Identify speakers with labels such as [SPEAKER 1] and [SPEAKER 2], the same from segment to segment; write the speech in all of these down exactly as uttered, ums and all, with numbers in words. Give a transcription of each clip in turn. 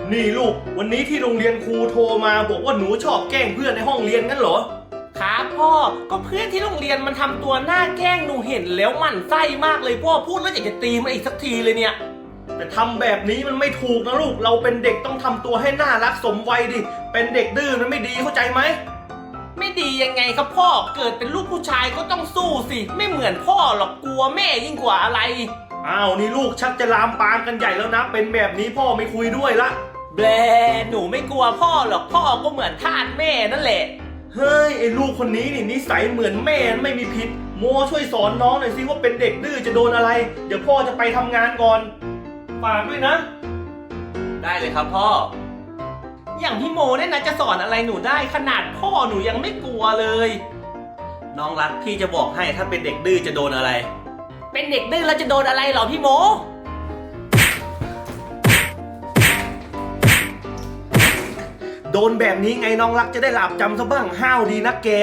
[SPEAKER 1] นี่ลูกวันนี้ที่โรงเรียนครูโทรมาบอกว่าหนูชอบแกล้งเพื่อนในห้องเรียนงั้นเหรอ
[SPEAKER 2] ครับพ่อก็เพื่อนที่โรงเรียนมันทำตัวหน้าแกล้งหนูเห็นแล้วหมั่นไส้มากเลยพ่อพูดแล้วอยากจะตีมันอีกสักทีเลยเนี่ย
[SPEAKER 1] แต่ทำแบบนี้มันไม่ถูกนะลูกเราเป็นเด็กต้องทำตัวให้น่ารักสมวัยดิเป็นเด็กดื้อมันไม่ดีเข้าใจไหม
[SPEAKER 2] ไม่ดียังไงครับพ่อเกิดเป็นลูกผู้ชายก็ต้องสู้สิไม่เหมือนพ่อหรอกกลัวแม่ยิ่งกว่าอะไร
[SPEAKER 1] อ้าวนี่ลูกชักจะลามปามกันใหญ่แล้วนะเป็นแบบนี้พ่อไม่คุยด้วยละ
[SPEAKER 2] แบลหนูไม่กลัวพ่อหรอกพ่อก็เหมือนทาสแม่นั่นแหละ
[SPEAKER 1] เฮ้ยไอ้ลูกคนนี้นี่นิสัยเหมือนแม่ไม่มีผิดโมช่วยสอนน้องหน่อยสิว่าเป็นเด็กดื้อจะโดนอะไรเดี๋ยวพ่อจะไปทำงานก่อนฝากด้วยนะ
[SPEAKER 2] ได้เลยครับพ่ออย่างพี่โมเนี่ยนะจะสอนอะไรหนูได้ขนาดพ่อหนูยังไม่กลัวเลย
[SPEAKER 1] น้องรักพี่จะบอกให้ถ้าเป็นเด็กดื้อจะโดนอะไร
[SPEAKER 2] เป็นเด็กดื้อแล้วจะโดนอะไรหรอพี่โม
[SPEAKER 1] โดนแบบนี้ไงน้องรักจะได้หลับจำซะบ้างห้าวดีนะแก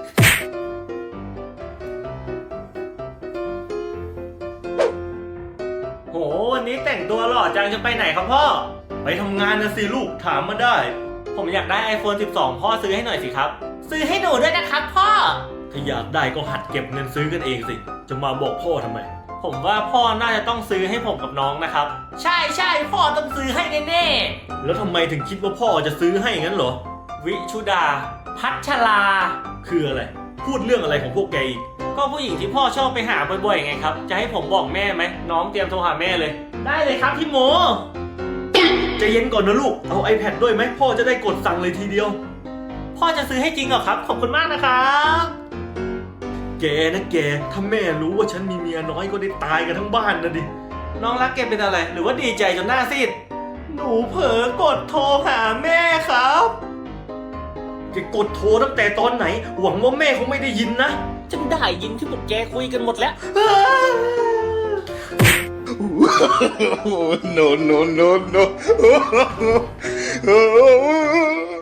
[SPEAKER 1] โหวันนี้แต่งตัวหล่อจังจะไปไหนครับพ่อไปทำงานนะสิลูกถามมาได้
[SPEAKER 2] ผมอยากได้ ไอโฟนสิบสอง พ่อซื้อให้หน่อยสิครับซื้อให้หนูด้วยนะครับพ่อ
[SPEAKER 1] ถ้าอยากได้ก็หัดเก็บเงินซื้อกันเองสิจะมาบอกพ่อทำไม
[SPEAKER 2] ผมว่าพ่อน่าจะต้องซื้อให้ผมกับน้องนะครับใช่ใช่พ่อต้องซื้อให้แน่
[SPEAKER 1] ๆแล้วทำไมถึงคิดว่าพ่อจะซื้อให้งั้นเหรอ
[SPEAKER 2] วิชุดาพัชรา
[SPEAKER 1] คืออะไรพูดเรื่องอะไรของพวกแกอีก
[SPEAKER 2] ก็ผู้หญิงที่พ่อชอบไปหาบ่อยๆไงครับจะให้ผมบอกแม่ไหมน้องเตรียมโทรหาแม่เลย
[SPEAKER 1] ได้เลยครับพี่โมใจเย็นก่อนนะลูกเอา ไอแพด ด้วยไหมพ่อจะได้กดสั่งเลยทีเดียว
[SPEAKER 2] พ่อจะซื้อให้จริงเหรอครับขอบคุณมากนะครับ
[SPEAKER 1] แกนะแกถ้าแม่รู้ว่าฉันมีเมียน้อยก็ได้ตายกันทั้งบ้านนะดิ
[SPEAKER 2] น้องรักแกเป็นอะไรหรือว่าดีใจจนหน้าซีด
[SPEAKER 1] หนูเผลอกดโทรหาแม่ครับแกกดโทรตั้งแต่ตอนไหนหวังว่าแม่คงไม่ได้ยินนะ
[SPEAKER 2] ฉันได้ยินที่พวกแกคุยกันหมดแล้ว
[SPEAKER 3] no no no no